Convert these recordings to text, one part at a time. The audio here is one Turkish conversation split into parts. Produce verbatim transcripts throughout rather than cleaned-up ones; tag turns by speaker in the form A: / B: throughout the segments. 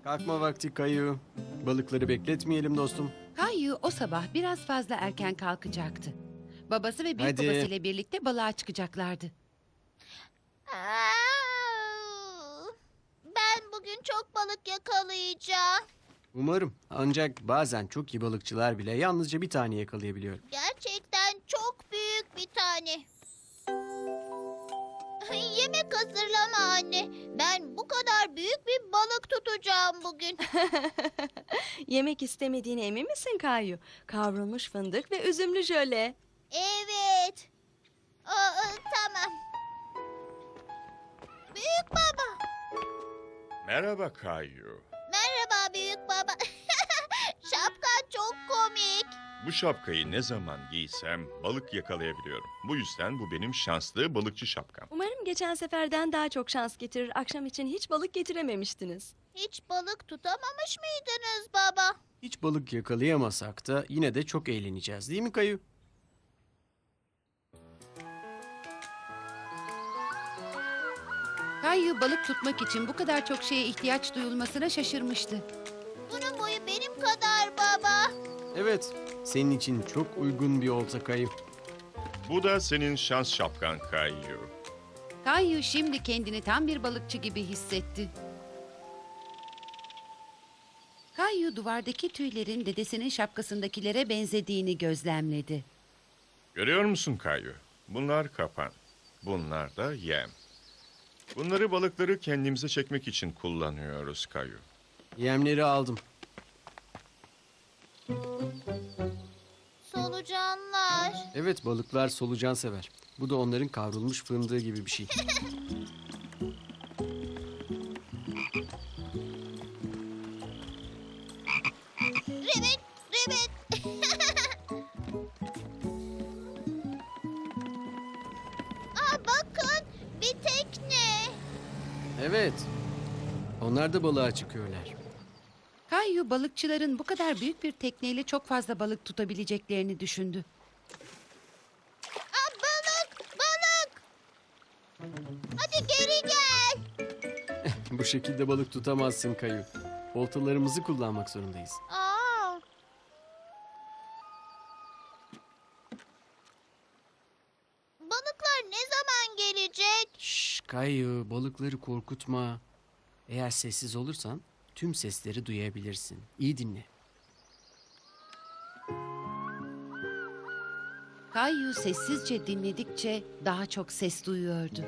A: Kalkma vakti Kayu. Balıkları bekletmeyelim dostum.
B: Kayu o sabah biraz fazla erken kalkacaktı. Babası ve büyük
A: Hadi.
B: babasıyla birlikte balığa çıkacaklardı.
C: Aa, Ben bugün çok balık yakalayacağım.
A: Umarım. Ancak bazen çok iyi balıkçılar bile yalnızca bir tane yakalayabiliyor.
C: Gerçekten çok büyük bir tane. Yemek hazırlama anne. Ben bu kadar büyük bir balık tutacağım bugün.
D: Yemek istemediğine emin misin Kayu? Kavrulmuş fındık ve üzümlü jöle.
C: Evet. Aa, tamam. Büyük baba.
E: Merhaba Kayu.
C: Merhaba büyük baba. Şapkan çok komik.
E: Bu şapkayı ne zaman giysem balık yakalayabiliyorum. Bu yüzden bu benim şanslı balıkçı şapkam.
D: Umarım geçen seferden daha çok şans getirir. Akşam için hiç balık getirememiştiniz.
C: Hiç balık tutamamış mıydınız baba?
A: Hiç balık yakalayamasak da yine de çok eğleneceğiz değil mi Kayu?
B: Kayu balık tutmak için bu kadar çok şeye ihtiyaç duyulmasına şaşırmıştı.
C: Bunun boyu benim kadar baba.
A: Evet, senin için çok uygun bir olta Kayu.
E: Bu da senin şans şapkan Kayu.
B: Kayu şimdi kendini tam bir balıkçı gibi hissetti. Kayu duvardaki tüylerin dedesinin şapkasındakilere benzediğini gözlemledi.
E: Görüyor musun Kayu? Bunlar kapan. Bunlar da yem. Bunları balıkları kendimize çekmek için kullanıyoruz Kayu.
A: Yemleri aldım.
C: Solucanlar.
A: Evet, balıklar solucan sever. Bu da onların kavrulmuş fındığı gibi bir şey.
C: Rivet, rivet. Aa, bakın bir tekne.
A: Evet, onlar da balığa çıkıyorlar.
B: Kayu balıkçıların bu kadar büyük bir tekneyle çok fazla balık tutabileceklerini düşündü.
C: Aa, balık, balık. Hadi geri gel.
A: Bu şekilde balık tutamazsın Kayu. Oltalarımızı kullanmak zorundayız.
C: Aa. Balıklar ne zaman gelecek?
A: Şşş Kayu, balıkları korkutma. Eğer sessiz olursan tüm sesleri duyabilirsin. İyi dinle.
B: Kayu sessizce dinledikçe daha çok ses duyuyordu.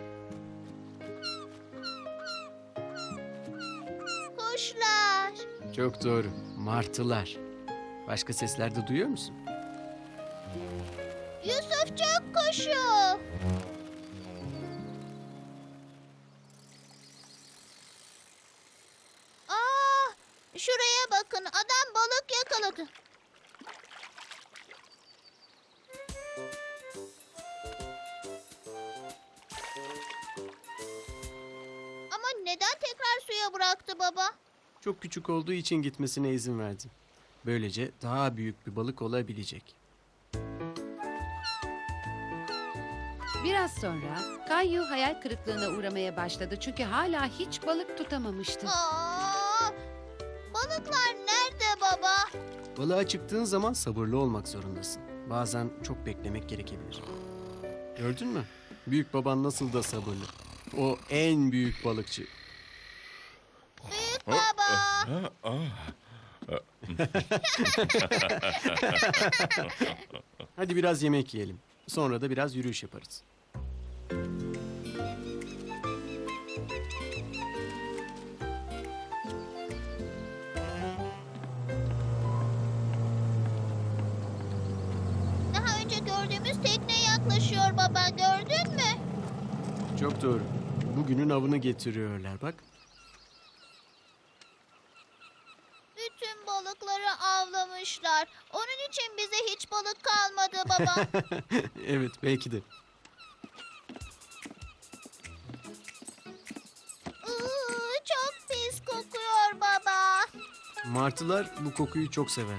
C: Kuşlar.
A: Çok doğru. Martılar. Başka sesler de duyuyor musun?
C: Yusufçuk kuşu. Aa, şuraya bakın. Adam balık yakaladı. Ama neden tekrar suya bıraktı baba?
A: Çok küçük olduğu için gitmesine izin verdim. Böylece daha büyük bir balık olabilecek.
B: Biraz sonra Kayu hayal kırıklığına uğramaya başladı çünkü hala hiç balık tutamamıştı.
C: Aa, balıklar nerede baba?
A: Balığa çıktığın zaman sabırlı olmak zorundasın. Bazen çok beklemek gerekebilir. Gördün mü? Büyük baban nasıl da sabırlı. O en büyük balıkçı.
C: Büyük baba.
E: Ha, ah.
A: Hadi biraz yemek yiyelim. Sonra da biraz yürüyüş yaparız.
C: Daha önce gördüğümüz tekne yaklaşıyor baba. Gördün mü?
A: Çok doğru. Bugünün avını getiriyorlar bak.
C: Bütün balıkları avlamışlar. Onun için bize hiç balık kalmadı baba.
A: Evet, belki de.
C: Iı, çok pis kokuyor baba.
A: Martılar bu kokuyu çok sever.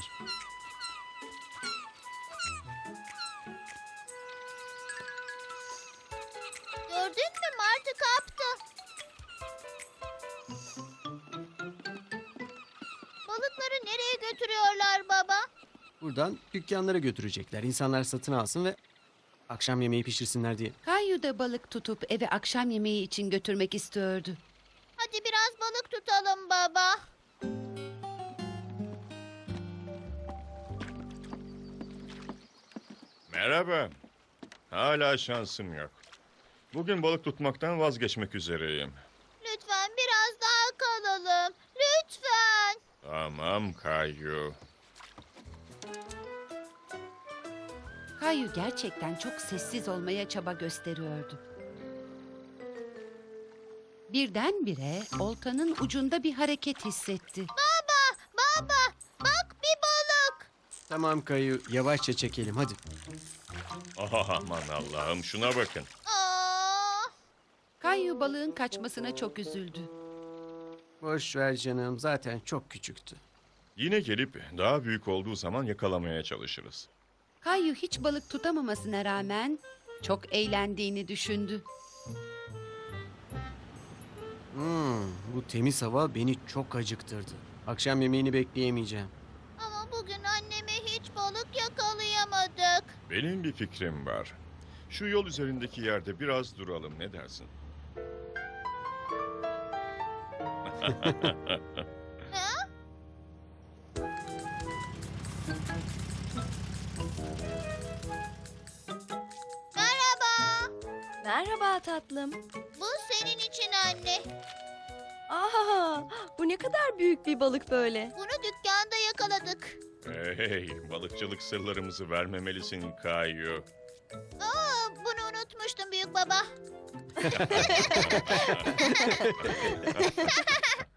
C: Gördün mü? Martı kaptı. nereye götürüyorlar baba?
A: Buradan dükkanlara götürecekler. İnsanlar satın alsın ve akşam yemeği pişirsinler diye.
B: Kayu da balık tutup eve akşam yemeği için götürmek istiyordu.
C: Hadi biraz balık tutalım baba.
E: Merhaba. Hala şansım yok. Bugün balık tutmaktan vazgeçmek üzereyim.
C: Lütfen biraz daha kalalım. Lütfen.
E: Tamam Kayu.
B: Kayu gerçekten çok sessiz olmaya çaba gösteriyordu. Birdenbire oltanın ucunda bir hareket hissetti.
C: Baba, baba, bak bir balık.
A: Tamam Kayu, yavaşça çekelim hadi.
E: Ah, aman Allah'ım, şuna bakın.
C: Aa,
B: Kayu balığın kaçmasına çok üzüldü.
A: Boş ver canım, zaten çok küçüktü.
E: Yine gelip daha büyük olduğu zaman yakalamaya çalışırız.
B: Kayu hiç balık tutamamasına rağmen çok eğlendiğini düşündü.
A: Hmm, bu temiz hava beni çok acıktırdı. Akşam yemeğini bekleyemeyeceğim.
C: ama bugün anneme hiç balık yakalayamadık.
E: Benim bir fikrim var. Şu yol üzerindeki yerde biraz duralım, ne dersin?
C: Ha? Merhaba.
D: Merhaba tatlım.
C: Bu senin için anne.
D: Aa, bu ne kadar büyük bir balık böyle.
C: Bunu dükkanda yakaladık.
E: Hey, balıkçılık sırlarımızı vermemelisin Kayu.
C: Aa, bunu unutmuştum büyük baba.